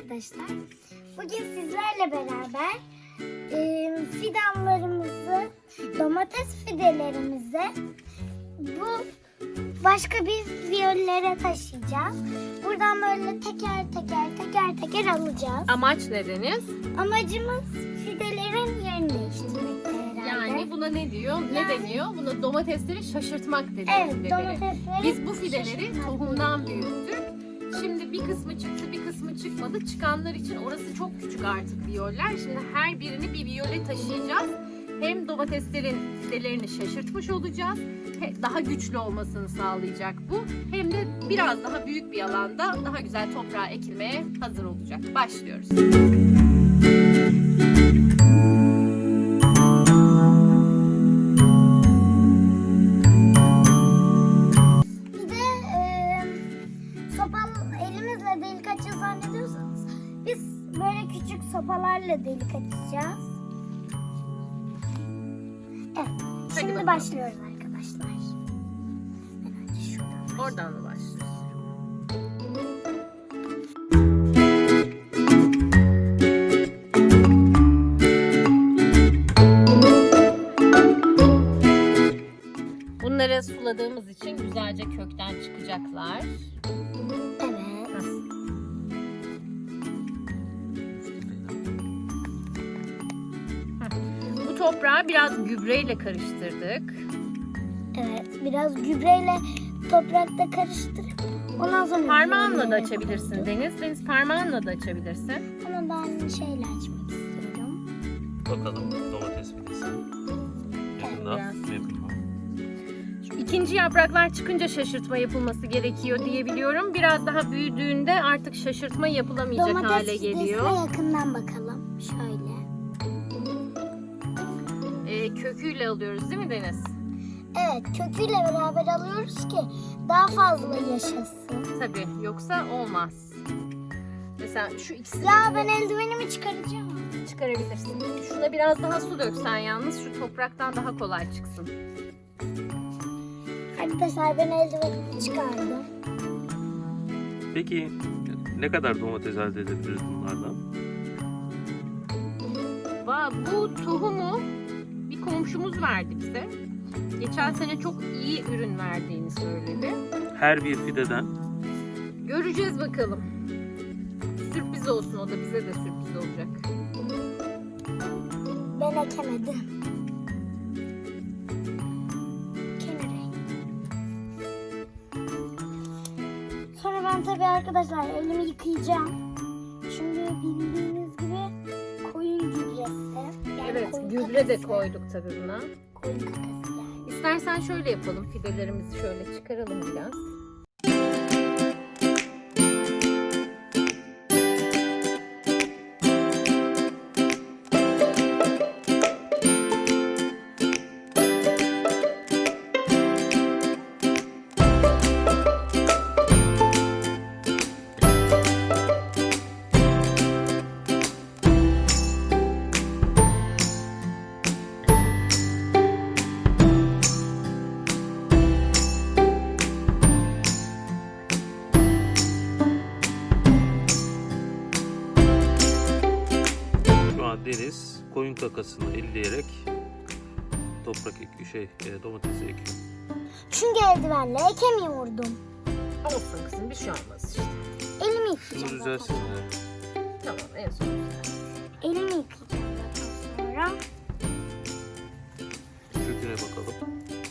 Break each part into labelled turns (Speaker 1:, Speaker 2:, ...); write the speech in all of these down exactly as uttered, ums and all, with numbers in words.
Speaker 1: arkadaşlar. Bugün sizlerle beraber e, fidanlarımızı, domates fidelerimizi bu başka bir viyollere taşıyacağız. Buradan böyle teker teker teker teker alacağız.
Speaker 2: Amaç ne Deniz?
Speaker 1: Amacımız fidelerin yerini değiştirmek herhalde.
Speaker 2: Yani buna ne diyor? Ne
Speaker 1: Yani-
Speaker 2: deniyor? Buna domatesleri şaşırtmak deniyor.
Speaker 1: Evet,
Speaker 2: fideleri.
Speaker 1: domatesleri
Speaker 2: Biz bu fideleri
Speaker 1: şaşırtmak.
Speaker 2: tohumdan büyüttük. Şimdi bir kısmı çıktı, bir kısmı çıkmadı. Çıkanlar için orası çok küçük artık viyoller. Şimdi her birini bir viyole taşıyacağız. Hem domateslerin fidelerini şaşırtmış olacağız. he- Daha güçlü olmasını sağlayacak bu. Hem de biraz daha büyük bir alanda daha güzel toprağa ekilmeye hazır olacak. Başlıyoruz.
Speaker 1: Bir de e, sopal elimizle delik açacağız zannediyorsanız biz böyle küçük sopalarla delik açacağız. Evet.
Speaker 2: Hadi
Speaker 1: Şimdi
Speaker 2: bakalım.
Speaker 1: başlıyoruz arkadaşlar. Ben önce şuradan.
Speaker 2: Oradan mı başlıyoruz? Bunları suladığımız için güzelce kökten çıkacaklar.
Speaker 1: Evet.
Speaker 2: Bu toprağı biraz gübreyle karıştırdık.
Speaker 1: Evet. Biraz gübreyle toprakta karıştırıp ondan sonra
Speaker 2: Parmağınla da
Speaker 1: üzerine
Speaker 2: açabilirsin
Speaker 1: koyduk.
Speaker 2: Deniz. Deniz parmağınla da açabilirsin.
Speaker 1: Ama ben şeyle açmak istiyorum.
Speaker 3: Bakalım domates fidesi. Yakından
Speaker 2: biraz.
Speaker 3: mı yakın mı?
Speaker 2: Şu İkinci yapraklar çıkınca şaşırtma yapılması gerekiyor diye biliyorum. Biraz daha büyüdüğünde artık şaşırtma yapılamayacak
Speaker 1: Domates
Speaker 2: hale
Speaker 1: fidesine
Speaker 2: geliyor.
Speaker 1: yakından bakalım. Şöyle.
Speaker 2: Ee, köküyle alıyoruz değil mi Deniz?
Speaker 1: Evet, köküyle beraber alıyoruz ki daha fazla yaşasın.
Speaker 2: Tabii, yoksa olmaz. Mesela şu ikisini
Speaker 1: Ya ben eldivenimi çıkaracağım.
Speaker 2: çıkarabilirsin. Şuna biraz daha su döksen yalnız şu topraktan daha kolay çıksın.
Speaker 1: Arkadaşlar ben eldivenimi çıkardım.
Speaker 3: Peki ne kadar domates elde edebiliriz bunlardan?
Speaker 2: Va bu tohumu bir komşumuz verdi bize. Geçen sene çok iyi ürün verdiğini söyledi.
Speaker 3: Her bir fideden
Speaker 2: Göreceğiz bakalım. Sürpriz olsun, o da bize de sürpriz olacak.
Speaker 1: Ben ekemedim. Kenara. Sonra ben tabii arkadaşlar elimi yıkayacağım. Çünkü bildiğiniz gibi koyun gübresi. Yani
Speaker 2: Evet,
Speaker 1: koyun
Speaker 2: gübre de
Speaker 1: kakası.
Speaker 2: koyduk tabii buna.
Speaker 1: Koyun kakası yani.
Speaker 2: İstersen şöyle yapalım, fidelerimizi şöyle çıkaralım biraz.
Speaker 3: şu an Deniz koyun kakasını elleyerek toprak ekiyor, şey e, domatesi ekiyor.
Speaker 1: Çünkü eldivenle ekemiyordum.
Speaker 2: Olsun kızım, bir şey olmaz işte.
Speaker 1: Elimi
Speaker 3: Şunu
Speaker 1: yıkayacağım.
Speaker 3: düzelsin.
Speaker 1: zaten.
Speaker 3: de.
Speaker 2: Tamam, en son.
Speaker 1: Elimi yıkayacağım zaten sonra.
Speaker 3: Köküne bakalım.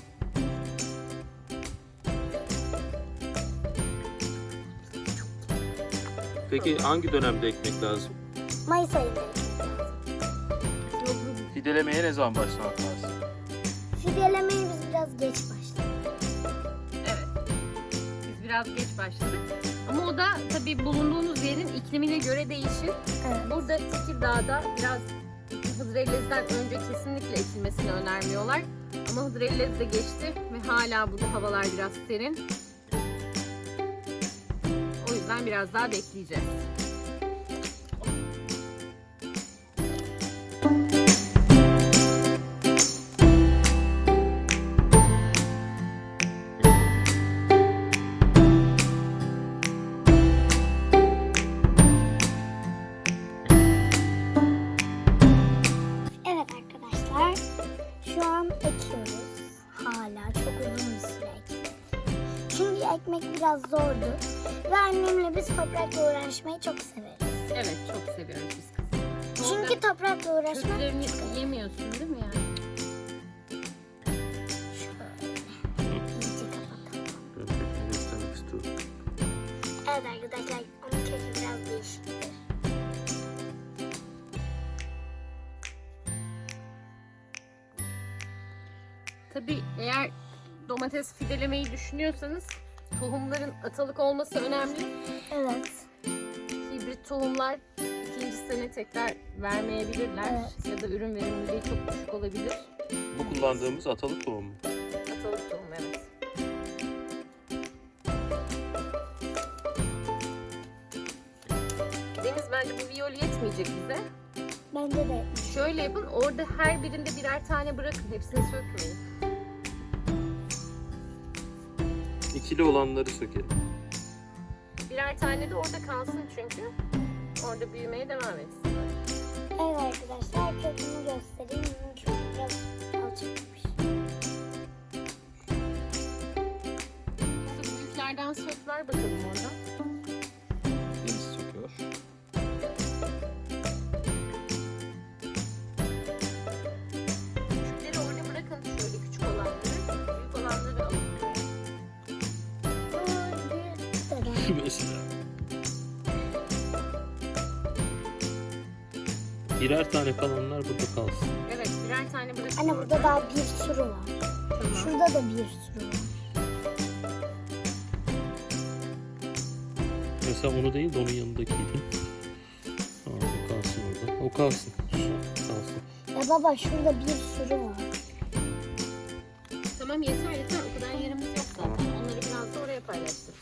Speaker 3: Peki hangi dönemde ekmek lazım?
Speaker 1: Mayıs ayında.
Speaker 3: Fidelemeye ne zaman başlamak lazım?
Speaker 1: Fidelemeye biz biraz geç başladık.
Speaker 2: Evet. Biz biraz geç başladık. Ama o da tabii bulunduğunuz yerin iklimine göre değişir.
Speaker 1: Evet.
Speaker 2: Burada Tekirdağ'da biraz Hıdrellez'den önce kesinlikle ekilmesini önermiyorlar. Ama Hıdrellez de geçti ve hala burada havalar biraz serin. O yüzden biraz daha bekleyeceğiz.
Speaker 1: ekmek biraz zordu. Ve annemle biz toprakla uğraşmayı çok severiz.
Speaker 2: Evet, çok seviyoruz biz kızım.
Speaker 1: Çünkü toprakla uğraşmak
Speaker 2: köklerini yemiyorsun değil mi yani?
Speaker 1: şöyle iyice kapatalım.
Speaker 3: Ben kökünü göstermek istiyorum.
Speaker 1: Evet arkadaşlar, onun kökü biraz değişiktir.
Speaker 2: Tabii eğer domates fidelemeyi düşünüyorsanız tohumların atalık olması önemli.
Speaker 1: Evet.
Speaker 2: Hibrit tohumlar ikinci sene tekrar vermeyebilirler.
Speaker 1: Evet.
Speaker 2: Ya da ürün verimliliği çok düşük olabilir.
Speaker 3: Bu kullandığımız atalık tohum mu?
Speaker 2: Atalık tohum, evet. Deniz, bence bu viyol yetmeyecek bize.
Speaker 1: Bence de.
Speaker 2: Şöyle yapın, orada her birinde birer tane bırakın. Hepsini sökmeyin.
Speaker 3: İkili olanları sökelim.
Speaker 2: Birer tane de orada kalsın çünkü. Orada büyümeye devam etsin.
Speaker 1: Evet arkadaşlar, kökünü göstereyim. Bunun kökü biraz alçakmış.
Speaker 2: Şu büyüklerden sök, ver bakalım oradan.
Speaker 3: Deniz söküyor.
Speaker 2: Küçükleri orada bırakın, şöyle küçük olanları. Büyük olanları alın.
Speaker 1: Bu bir de
Speaker 3: Mesela. Birer tane kalanlar burada kalsın.
Speaker 2: Evet, birer tane bırakın.
Speaker 1: Anne, burada daha bir sürü var.
Speaker 2: Tamam.
Speaker 1: Şurada da bir sürü var.
Speaker 3: Mesela onu değil de onun yanındakiydi. Aa, o kalsın orada. O kalsın. Şu kalsın.
Speaker 1: Ya baba, şurada bir sürü var.
Speaker 2: Tamam, yeter yeter. O kadar yerimiz yok zaten. Onları biraz da oraya paylaştıracağız.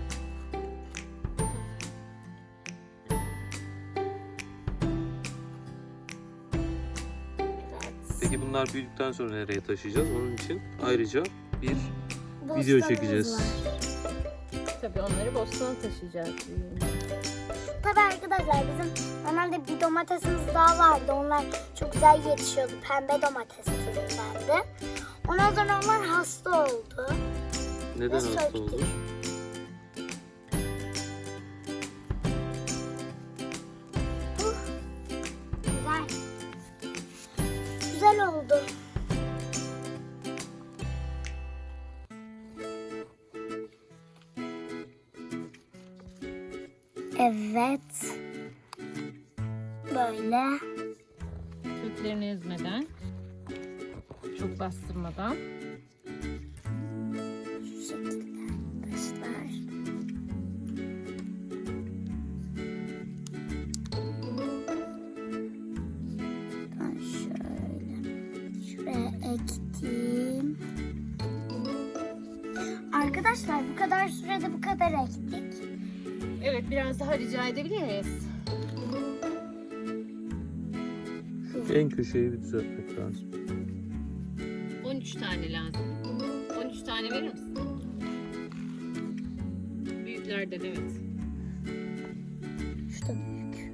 Speaker 1: Evet.
Speaker 3: Peki bunlar büyüdükten sonra nereye taşıyacağız? Onun için ayrıca bir video
Speaker 1: Bostanımız
Speaker 3: çekeceğiz.
Speaker 1: var.
Speaker 2: Tabii onları bostana taşıyacağız.
Speaker 1: Tabii arkadaşlar, bizim normalde bir domatesimiz daha vardı. Onlar çok güzel yetişiyordu. Pembe domates türündendi. Ondan sonra onlar hasta oldu.
Speaker 3: Neden
Speaker 1: Ve
Speaker 3: hasta
Speaker 1: söktük.
Speaker 3: olur?
Speaker 1: Uh, güzel. Güzel oldu. Evet. Böyle.
Speaker 2: Köklerini ezmeden, çok bastırmadan.
Speaker 1: Şu şekilde arkadaşlar. Ben şöyle şuraya ektim. Arkadaşlar, bu kadar sürede bu kadar ektik.
Speaker 2: Evet, biraz daha rica edebilir miyiz?
Speaker 3: En köşeyi bir düzeltmek lazım.
Speaker 2: on üç tane lazım. on üç tane verir misin? Büyüklerden, evet.
Speaker 1: Şu da büyük.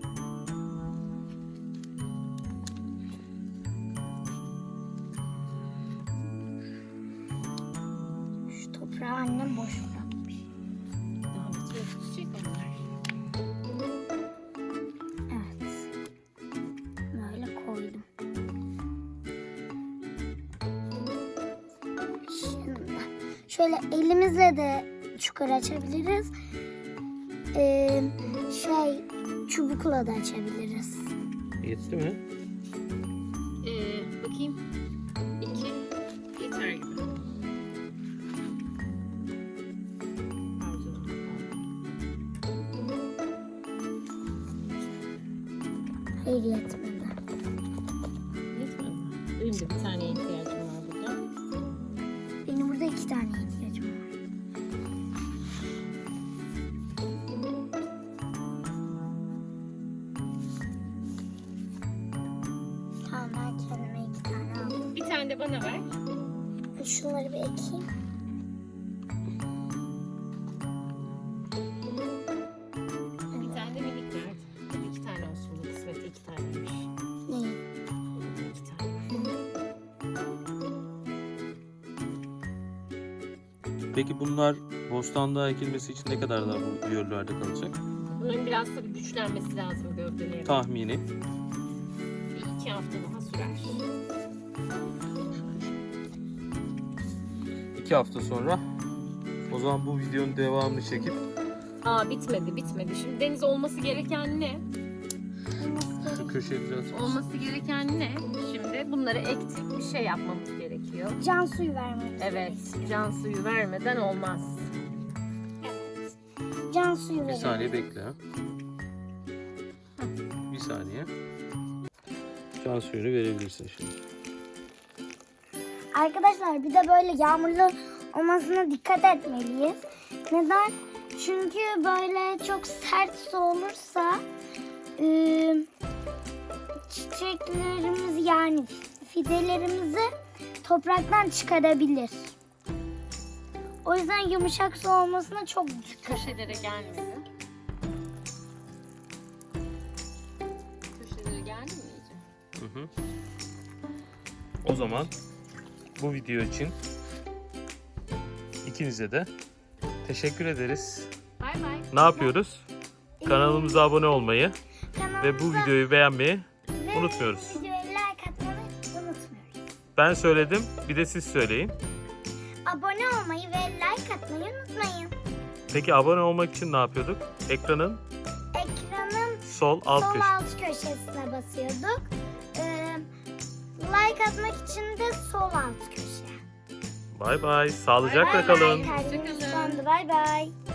Speaker 1: Şu toprağı annem boş bırakmış.
Speaker 2: Daha bitiyor, çiçek onlar.
Speaker 1: Evet. Böyle koydum. Şimdi şöyle elimizle de çukur açabiliriz. Ee, şey çubukla da açabiliriz.
Speaker 3: Yetti mi?
Speaker 2: Ee, bakayım. İki yeter gibi. Pardon.
Speaker 1: Hayır, yetmedi.
Speaker 2: Yetmedi mi? Benim de bir tane ihtiyacım var burada.
Speaker 1: Benim burada iki tane ihtiyacım var. Tamam, ben kendime iki tane aldım.
Speaker 2: Bir tane de bana ver.
Speaker 1: Şunları bir ekeyim.
Speaker 2: Bir tane de minik ver. İki tane olsun. Bu kısmeti iki taneymiş.
Speaker 1: Ne?
Speaker 2: İki tane.
Speaker 3: Peki bunlar Bostanlığa ekilmesi için ne kadar daha bu biyollerde kalacak?
Speaker 2: Bunların biraz tabii güçlenmesi lazım gövdeleri.
Speaker 3: Tahmini.
Speaker 2: Bir iki hafta daha sürer.
Speaker 3: iki hafta sonra o zaman bu videonun devamını çekip
Speaker 2: Aa bitmedi bitmedi. Şimdi Deniz olması gereken ne?
Speaker 3: şu köşeyi düzeltiriz.
Speaker 2: Olması gereken ne? Şimdi bunları ektik. Bir şey yapmamız gerekiyor.
Speaker 1: Can suyu vermemiz
Speaker 2: Evet. Can suyu vermeden olmaz.
Speaker 1: Evet. Can suyu
Speaker 3: Bir
Speaker 1: verelim.
Speaker 3: saniye bekle. Bir saniye. Can suyunu verebilirsin şimdi.
Speaker 1: Arkadaşlar bir de böyle yağmurlu olmasına dikkat etmeliyiz. Neden? Çünkü böyle çok sert su olursa e, çiçeklerimiz yani fidelerimizi topraktan çıkarabilir. O yüzden yumuşak su olmasına çok dikkat.
Speaker 2: Köşelere gelmedi. Köşelere geldi mi iyice?
Speaker 3: Hı hı. O zaman bu video için ikinize de teşekkür ederiz.
Speaker 2: Bay bay.
Speaker 3: Ne yapıyoruz? Kanalımıza abone olmayı
Speaker 1: Kanalımıza
Speaker 3: ve bu videoyu beğenmeyi
Speaker 1: ve
Speaker 3: unutmuyoruz.
Speaker 1: videoya like atmayı unutmuyoruz.
Speaker 3: Ben söyledim, bir de siz söyleyin.
Speaker 1: Abone olmayı ve like atmayı unutmayın.
Speaker 3: Peki abone olmak için ne yapıyorduk? Ekranın
Speaker 1: Ekranın
Speaker 3: sol alt
Speaker 1: sol
Speaker 3: köşesi.
Speaker 1: alt köşesine basıyorduk. Ee, like atmak için de sol alt köşe.
Speaker 3: Bay bay. Sağlıcakla
Speaker 2: Bay bay.
Speaker 3: kalın.
Speaker 1: Kalbimiz
Speaker 2: Hoşça kalın.
Speaker 1: sandı. Bay bay.